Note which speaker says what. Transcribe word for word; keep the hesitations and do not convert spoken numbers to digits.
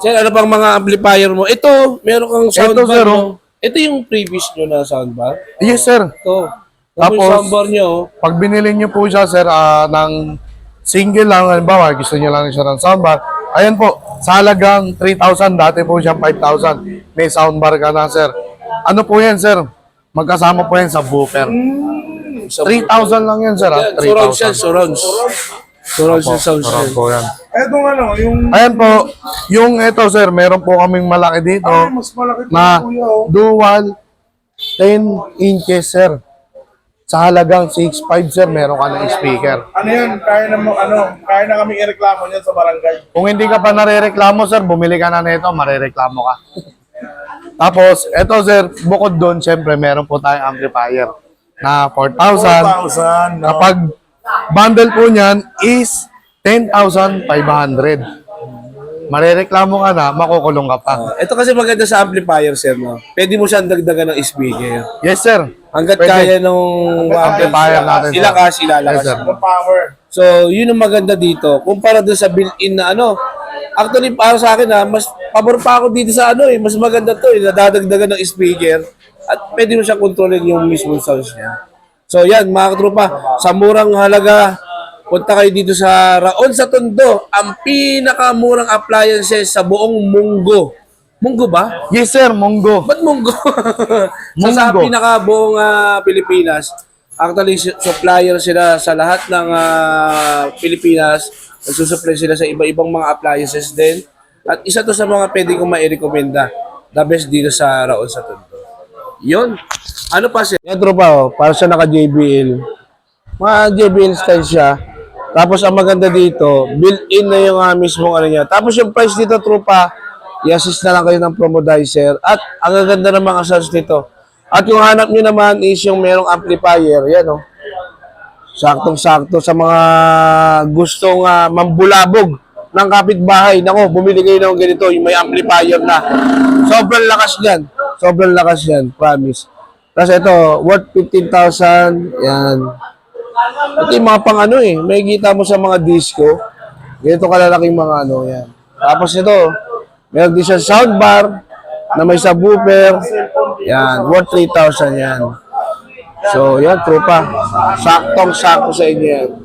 Speaker 1: Sir, ano pang mga amplifier mo? Ito, meron kang soundbar
Speaker 2: sir,
Speaker 1: mo. Ito yung previous nyo na soundbar?
Speaker 2: Yes, sir.
Speaker 1: Ito. Tapos,
Speaker 2: Tapos,
Speaker 1: yung soundbar nyo, oh.
Speaker 2: Pag binili niyo po siya, sir, ah, ng single lang, halimbawa, gusto niyo lang siya ng soundbar, ayan po, sa halagang three thousand, dati po siya five thousand, may soundbar ka na, sir. Ano po yan, sir? Magkasama po yan sa booper.
Speaker 1: Sa-
Speaker 2: three thousand lang yan, sir, ah.
Speaker 1: Yan, surround siya,
Speaker 2: three thousand.
Speaker 1: surrounds. Surrounds yung sound
Speaker 2: Surround
Speaker 1: siya.
Speaker 2: po yan.
Speaker 3: Etong ano, yung
Speaker 2: Ayan po, yung ito, sir, meron po kaming malaki dito
Speaker 3: ay, mas malaki pa
Speaker 2: na
Speaker 3: kuya, oh.
Speaker 2: dual ten inches, sir. Sa halagang six five, sir, meron ka ng speaker.
Speaker 3: Ano yan, kaya na mo, ano, kaya na kaming ireklamo niyan sa barangay.
Speaker 2: Kung hindi ka pa narereklamo, sir, bumili ka na nito, marereklamo ka. Tapos, eto, sir, bukod doon, syempre, meron po tayong amplifier na four thousand.
Speaker 3: four thousand, no?
Speaker 2: Kapag bundle po niyan is ten thousand five hundred. Marereklamo ka na, makukulong ka pa.
Speaker 1: Ito kasi maganda sa amplifier, sir, no? Pwede mo siyang dagdagan ng speaker.
Speaker 2: Yes, sir.
Speaker 1: Hanggat
Speaker 2: Pwede.
Speaker 1: kaya nung
Speaker 2: Amplifier natin, sir.
Speaker 1: ilakas, ilalakas.
Speaker 2: Yes, sir.
Speaker 3: Yung power.
Speaker 1: So, yun ang maganda dito. Kumpara doon sa built-in na ano. Actually, para sa akin ha, mas pabor pa ako dito sa ano eh. Mas maganda to eh. Nadadagdagan ng speaker. At pwede mo siya kontrolin yung mismong sounds niya. So, yan mga katropa. Sa murang halaga, punta kayo dito sa Raon sa Tondo. Ang pinakamurang appliances sa buong Munggo. Munggo ba?
Speaker 2: Yes, sir, Munggo.
Speaker 1: Ba't Munggo? sa, sa
Speaker 2: Munggo.
Speaker 1: pinakabuong ah, Pilipinas, actually su- supplier sila sa lahat ng ah, Pilipinas. Nagsusupply sila sa iba-ibang mga appliances din. At isa to sa mga pwede kong mairekomenda. The best dito sa Raon sa Tondo. Yun. Ano pa siya? Yan tropa oh, para siya naka-J B L. Mga J B L style siya. Tapos ang maganda dito, built-in na yung uh, mismong ano niya. Tapos yung price dito tropa, i-assist na lang kayo ng promodizer. At ang ganda ng mga sounds nito. At yung hanap nyo naman is yung merong amplifier. Yan oh. Saktong-sakto sa mga gustong uh, mambulabog ng kapitbahay. Nako, bumili kayo ng ganito, yung may amplifier na. Sobrang lakas yan. Sobrang lakas yan, promise. Tapos ito, worth fifteen thousand. Yan. Ito yung mga pang ano eh. May kita mo sa mga disco. Ganito kalalaking mga ano, yan. Tapos ito, meron din siya soundbar na may subwoofer. Yan, worth three thousand yan. So, yan, tropa. Saktong-sakto sa inyo yan.